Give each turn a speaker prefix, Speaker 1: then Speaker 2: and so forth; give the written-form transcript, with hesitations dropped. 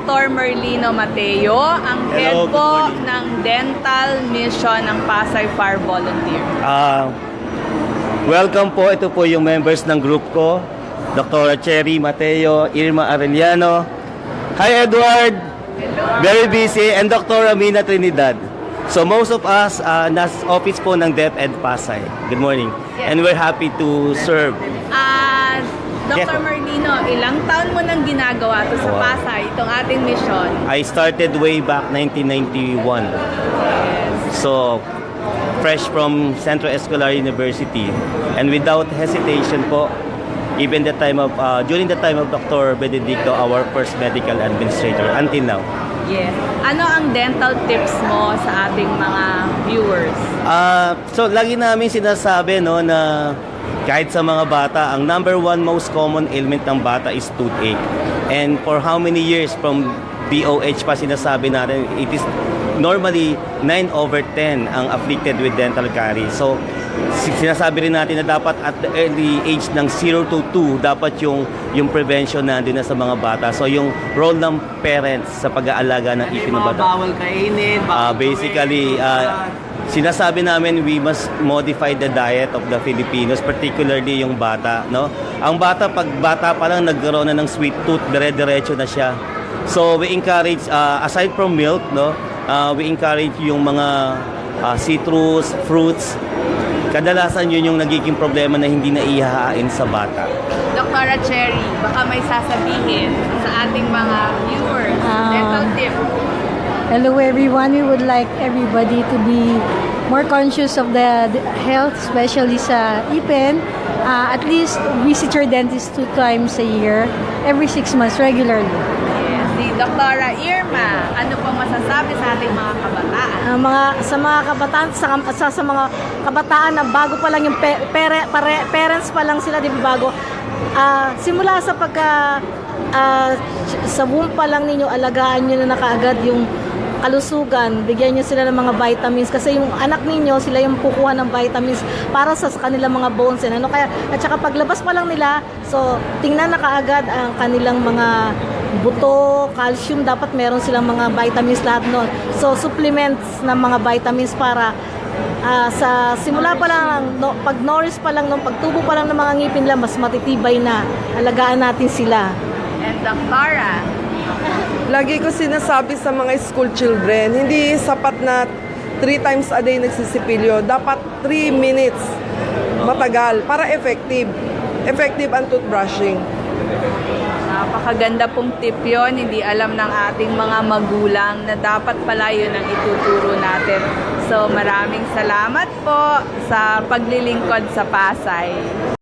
Speaker 1: Dr. Merlino Mateo, ang head
Speaker 2: Hello, good
Speaker 1: po
Speaker 2: morning.
Speaker 1: ng Dental Mission ng Pasay Fire Volunteer.
Speaker 2: Welcome po. Ito po yung members ng group ko. Dr. Cherry Mateo, Irma Arellano. Hi, Edward. Very busy. And Dr. Amina Trinidad. So most of us, nasa office po ng DepEd Pasay. Good morning.
Speaker 1: Yes.
Speaker 2: And we're happy to serve.
Speaker 1: Dr.
Speaker 2: Yes.
Speaker 1: Merlino, ilang taon mo nang ginagawa to sa
Speaker 2: Wow.
Speaker 1: Pasay, itong ating mission?
Speaker 2: I started way back 1991. So, fresh from Central Escolar University. And without hesitation po, even the time of, during the time of Dr. Benedicto, our first medical administrator, until now.
Speaker 1: Yes. Ano ang dental tips mo sa ating mga viewers?
Speaker 2: So, lagi namin sinasabi no, na kahit sa mga bata, ang number one most common ailment ng bata is toothache. And for how many years from DOH pa sinasabi natin, it is normally 9/10 ang afflicted with dental caries. So, sinasabi rin natin na dapat at the early age ng 0 to 2, dapat yung prevention nandun na sa mga bata. So, yung role ng parents sa pag-aalaga ng ipin ng bata.
Speaker 3: Bawal kainin,
Speaker 2: Basically, sinasabi namin we must modify the diet of the Filipinos, particularly yung bata, no? Ang bata, pag bata pa lang nagkaroon na ng sweet tooth, dire-diretso na siya. So we encourage, aside from milk, no, we encourage yung mga citrus, fruits. Kadalasan yun yung nagiging problema na hindi na ihahain sa bata.
Speaker 1: Dr. Cherry, baka may sasabihin sa ating mga viewers, dental tip.
Speaker 4: Hello everyone, we would like everybody to be more conscious of the health, especially sa ipin. At least visit your dentist 2 times a year, every 6 months regularly.
Speaker 1: Yes. Si Dr. Irma, ano po masasabi sa ating mga kabataan?
Speaker 4: Sa mga kabataan, sa mga kabataan na bago pa lang yung parents pa lang sila, di ba bago? Simula sa sa womb pa lang ninyo, alagaan nyo na kaagad yung kalusugan, bigyan nyo sila ng mga vitamins kasi yung anak ninyo, sila yung kukuha ng vitamins para sa kanilang mga bones and ano kaya, at saka paglabas pa lang nila, so tingnan na kaagad ang kanilang mga buto, calcium, dapat meron silang mga vitamins lahat nun. So supplements ng mga vitamins para sa simula pa lang, pag nourish pa lang, pagtubo pa lang ng mga ngipin nila, mas matitibay na. Alagaan natin sila.
Speaker 1: And Dr.
Speaker 3: Lagi ko sinasabi sa mga school children, hindi sapat na 3 times a day nagsisipilyo. Dapat 3 minutes. Matagal. Para effective. Effective ang toothbrushing.
Speaker 1: Napakaganda pong tip yun. Hindi alam ng ating mga magulang na dapat pala yun ang ituturo natin. So maraming salamat po sa paglilingkod sa Pasay.